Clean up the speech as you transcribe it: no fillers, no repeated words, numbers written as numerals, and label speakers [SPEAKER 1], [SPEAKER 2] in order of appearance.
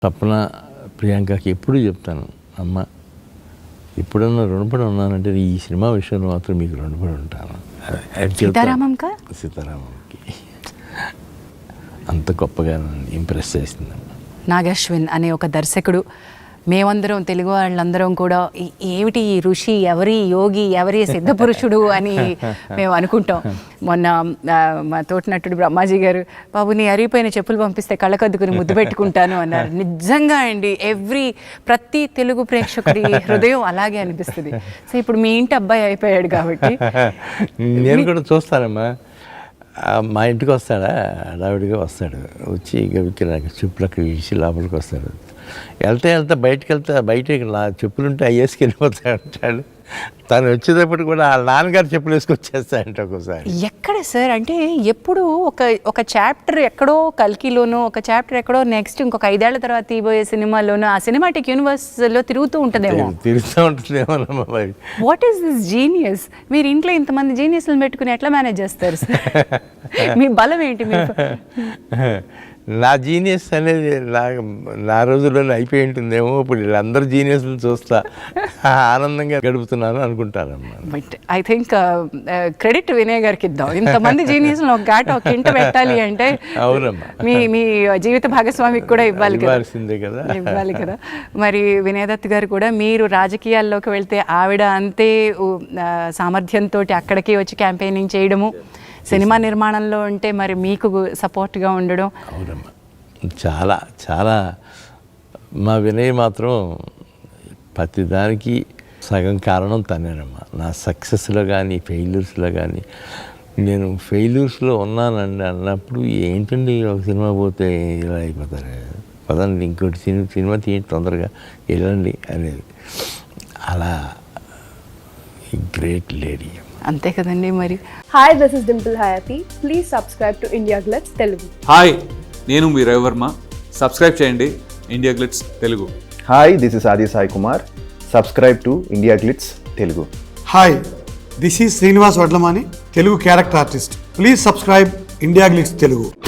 [SPEAKER 1] తప్పన ప్రియాంకకి ఎప్పుడు చెప్తాను, అమ్మ ఎప్పుడన్నా రుణపడి ఉన్నానంటే ఈ సినిమా విషయంలో మాత్రం మీకు రుణపడి ఉంటాను. సీతారామంకి అంత గొప్పగా ఇంప్రెస్ చేసింది.
[SPEAKER 2] నాగశ్విన్ అనే ఒక దర్శకుడు, మేమందరం తెలుగు వాళ్ళందరం కూడా ఏమిటి ఈ ఋషి, ఎవరి యోగి, ఎవరి సిద్ధపురుషుడు అని మేము అనుకుంటాం. మొన్న మా తోటినట్టుడు బ్రహ్మాజీ గారు, బాబు నీ అరిగిపోయిన చెప్పులు పంపిస్తే కళ్ళకద్దుకుని ముద్దు పెట్టుకుంటాను అన్నారు. నిజంగా అండి, ప్రతి తెలుగు ప్రేక్షకుడి హృదయం అలాగే అనిపిస్తుంది. సో ఇప్పుడు మీ ఇంటి అబ్బాయి అయిపోయాడు కాబట్టి
[SPEAKER 1] నేను కూడా చూస్తానమ్మా. మా ఇంటికి వస్తాడా, హడావిడిగా వస్తాడు, వచ్చి గవికి నాకు చెప్పులకు ఇచ్చి లోపలికి వస్తాడు. వెళ్తే బయటికి నా చెప్పులుంటే అయ్యేసుకు వెళ్ళిపోతాడు అంటాడు. తను వచ్చేటప్పుడు కూడా వాళ్ళ నాన్నగారు చెప్పులు వేసుకొచ్చేస్తాయంట ఒక్కోసారి.
[SPEAKER 2] ఎక్కడ సార్ అంటే ఎప్పుడు ఒక చాప్టర్ ఎక్కడో కల్కిలోనో, ఒక చాప్టర్ ఎక్కడో నెక్స్ట్ ఇంకొక 5 ఏళ్ల తర్వాత తీయబోయే సినిమాలోనో ఆ సినిమాటిక్ యూనివర్స్లో తిరుగుతూ ఉంటుందేమో. What is this genius? మీరు ఇంట్లో ఇంతమంది జీనియస్లను పెట్టుకుని ఎట్లా మేనేజ్ చేస్తారు సార్? మీ బలం ఏంటి? మీరు
[SPEAKER 1] నా జీనియస్ అనేది నా రోజుల్లోనే అయిపోయి ఉంటుందేమో. ఇప్పుడు వీళ్ళందరూ జీనియస్లు చూస్తా ఆనందంగా గడుపుతున్నాను అనుకుంటారమ్మా.
[SPEAKER 2] But I think credit Vinay గారికి ఇద్దాం. ఇంతమంది జీనియస్లు ఒక ఇంట పెట్టాలి అంటే
[SPEAKER 1] అవునమ్మా,
[SPEAKER 2] మీ జీవిత భాగస్వామికి కూడా
[SPEAKER 1] ఇవ్వాల్సిందే కదా,
[SPEAKER 2] ఇవ్వాలి కదా. మరి వినయ్ దత్ గారు కూడా, మీరు రాజకీయాల్లోకి వెళ్తే ఆవిడ అంతే సామర్థ్యంతో అక్కడికి వచ్చి క్యాంపెయినింగ్ చేయడము, సినిమా నిర్మాణంలో ఉంటే మరి మీకు సపోర్ట్గా ఉండడం.
[SPEAKER 1] అవునమ్మా, చాలా చాలా. మా వినయ్ మాత్రం ప్రతిదానికి సగం కారణం తనేనమ్మా. నా సక్సెస్లో కానీ ఫెయిల్యూర్స్లో కానీ, నేను ఫెయిల్యూర్స్లో ఉన్నానండి అన్నప్పుడు, ఏంటండి ఒక సినిమా పోతే ఇలా అయిపోతారు, పదండి ఇంకోటి సినిమా తీయండి తొందరగా వెళ్ళండి అనేది. అలా గ్రేట్ లేడీ.
[SPEAKER 2] అంతే కదండి మరి.
[SPEAKER 3] Hi, this is Dimple Hayathi. Please subscribe to India Glitz Telugu.
[SPEAKER 4] Hi, నేను మీ రవివర్మ. సబ్స్క్రైబ్ చేయండి India Glitz Telugu.
[SPEAKER 5] Hi, this is Aadi Sai Kumar. Subscribe to India Glitz Telugu.
[SPEAKER 6] Hi, this is Srinivas Vadlamani, Telugu character artist. Please subscribe India Glitz Telugu.